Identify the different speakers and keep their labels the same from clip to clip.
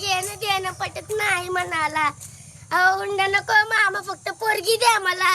Speaker 1: घेणं देणं पटत नाही म्हणाला. अहो हुंडा नको मामा, फक्त पोरगी द्या मला.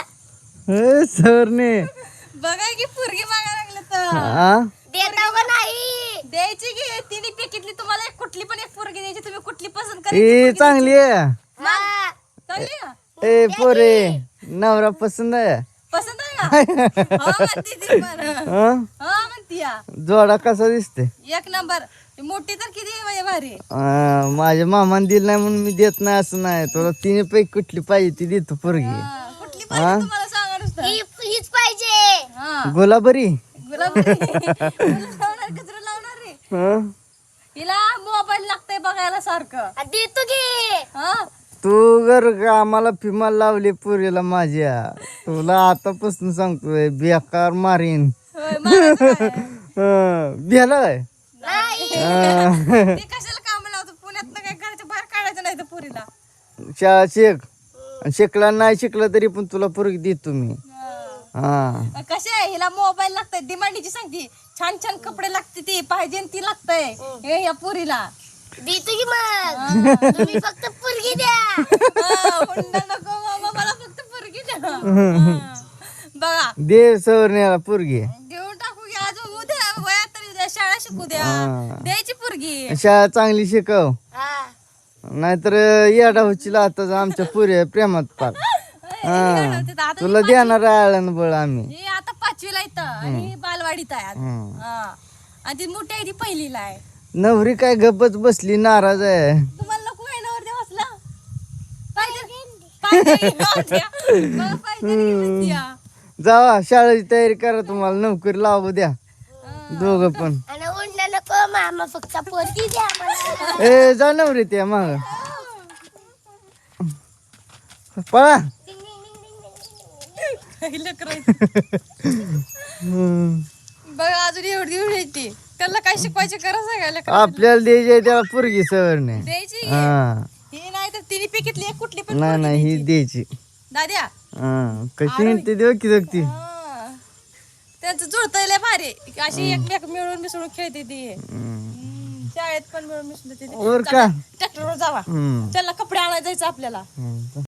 Speaker 2: सरने
Speaker 3: बघा की पोरगी मागायला लागलं तर
Speaker 2: हा
Speaker 1: देता का नाही?
Speaker 3: द्यायची की तिने पैकीतली तुम्हाला एक कुठली पण एक पोरगी द्यायची, तुम्ही कुठली पसंत
Speaker 2: ए
Speaker 3: करायची
Speaker 2: चांगली आहे
Speaker 1: हा.
Speaker 3: चांगली का?
Speaker 2: ए पोरे नवरा पसंत आहे
Speaker 3: पसंत आहे का? हो म्हणती ती पण.
Speaker 2: हा?
Speaker 3: हो म्हणती या.
Speaker 2: जोडा कसा दिसते
Speaker 3: एक नंबर. मोठी तर किती आहे बाई भारी.
Speaker 2: माझ्या मामाने दिलं नाही म्हणून मी देत नाही असं नाही. तुला तिने पैकी कुठली पाहिजे ती देतो पोरगी.
Speaker 3: कुठली पाहिजे तुम्हाला सांगा नुसतं.
Speaker 1: हीच पाहिजे.
Speaker 3: हा
Speaker 2: गुलाबरी
Speaker 3: गुलाब लावणार गजरा लावणार रे.
Speaker 2: हा?
Speaker 3: हिला मोबाईल लागतंय बघायला सारखं.
Speaker 1: देतो की.
Speaker 3: हा
Speaker 2: तू जर का आम्हाला फिमाल लावली पोरीला माझ्या, तुला आतापासून सांगतोय बेकार मारीन.
Speaker 3: होय, मारायचं काय?
Speaker 2: भेला काय
Speaker 1: नाही.
Speaker 3: ते कशाला काम लावतो पुण्यात काय घरच्या बाहेर काढायचं नाही तर पुरीला.
Speaker 2: शाळा शिकला नाही शिकला तरी पण तुला पोरगी देतो मी. हा
Speaker 3: कसे आहे हिला मोबाईल लागतंय, डिमांडीची सांगते, छान छान कपडे लागते, ती पाहिजे ती लागतंय हे या पुरीला.
Speaker 1: देतो की मग. तुम्ही फक्त पोरगी द्या.
Speaker 3: हुंडा नको मामा, मला फक्त पोरगी द्या. हा. बघा
Speaker 2: दे सवरण्याला पोरगी.
Speaker 3: देऊन टाकू की आज उद्या वयात तरी उद्या शाळा शिकू द्या. द्यायची पोरगी.
Speaker 2: शाळा चांगली शिकव,
Speaker 1: हा.
Speaker 2: नाहीतर येडा होशील आताच आमच्या पुऱ्या प्रेमात पार.
Speaker 3: आता
Speaker 2: तुला देणार आळण बळ आम्ही.
Speaker 3: ही आता 5वीला येतं आणि ही बालवाडीत आहे आज.
Speaker 2: हम्म.
Speaker 3: हा. आणि ती मोठी आहे ती 1लीला आहे.
Speaker 2: नवरी काय गप्पच बसली नाराज आहे.
Speaker 3: तुम्हाला नको आहे नवर देव असला पाहिजे
Speaker 2: जावा शाळेची तयारी करा, तुम्हाला नोकरी लावू द्या दोघं पण.
Speaker 1: आणि हुंडा नको मामा, फक्त पोरगी द्या मला.
Speaker 2: ए जा नवरी त्या माग पळा.
Speaker 3: बघा अजून एवढी एवढी येते त्याला काय शिकवायचे करा सगळ्याला.
Speaker 2: आपल्याला द्यायची त्याला पोरगी सवरणे.
Speaker 3: द्यायची
Speaker 2: हा
Speaker 3: ही नाही तर तिने पिकीतली एक कुठली पण
Speaker 2: नाही नाही ही द्यायची.
Speaker 3: दाद्या.
Speaker 2: हा कशी म्हणते देऊ की जगती.
Speaker 3: त्यांचं जुळतंय लय भारी, अशी एकमेक मिळून मिसळून खेळते ती. शाळेत पण मिळून मिसळून
Speaker 2: वर का
Speaker 3: ट्रॅक्टरवर जावा,
Speaker 2: हम्म.
Speaker 3: त्याला कपडे आणायला जायचं आपल्याला.
Speaker 2: हम्म.